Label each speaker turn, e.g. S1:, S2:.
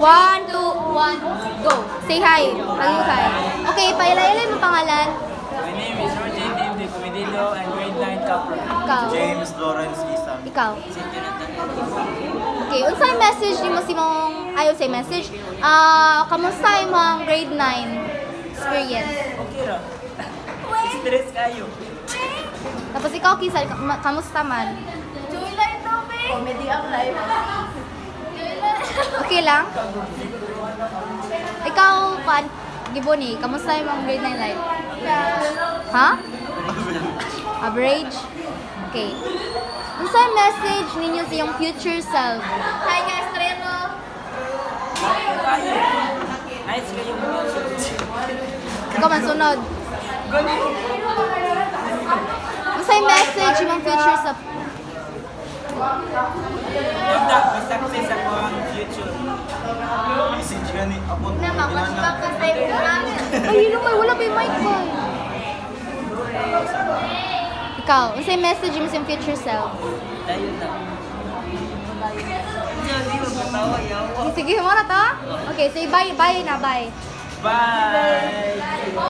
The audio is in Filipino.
S1: 1, 2, 1, go. Say hi. Hi. Okay, pailay-ilay mo pangalan.
S2: My name is Roger David Comedillo and grade 9 Capra.
S1: Ikaw.
S3: James Lawrence Isam.
S1: Ikaw. Okay, unsay message nimo si mong ayo say message? Kamusta imong grade 9 experience?
S2: Okay ra. Stress kayo.
S1: Tapos ikaw kisa kamusta man?
S4: Comedy ang life.
S1: Okay lang? Ikaw kan Giboni, kamusta imong grade 9 life? Ha? Average? Okay. Unsay message ninyo sa iyong future self?
S4: Hi guys, Treno.
S2: Kayo. Nice kayo.
S1: Ikaw man sunod. Unsay message imong future self?
S2: Basta success ako ang future.
S3: Message gani abot
S4: Na makasbak ka sa iyo namin.
S1: Ay, yun may wala pa yung mic ko. Ikaw, unsay message mo sa iyong future self?
S2: Tayo na. Hindi mo katawa yawa.
S1: Sige mo na to? Okay, say bye, bye na, bye.
S2: Bye.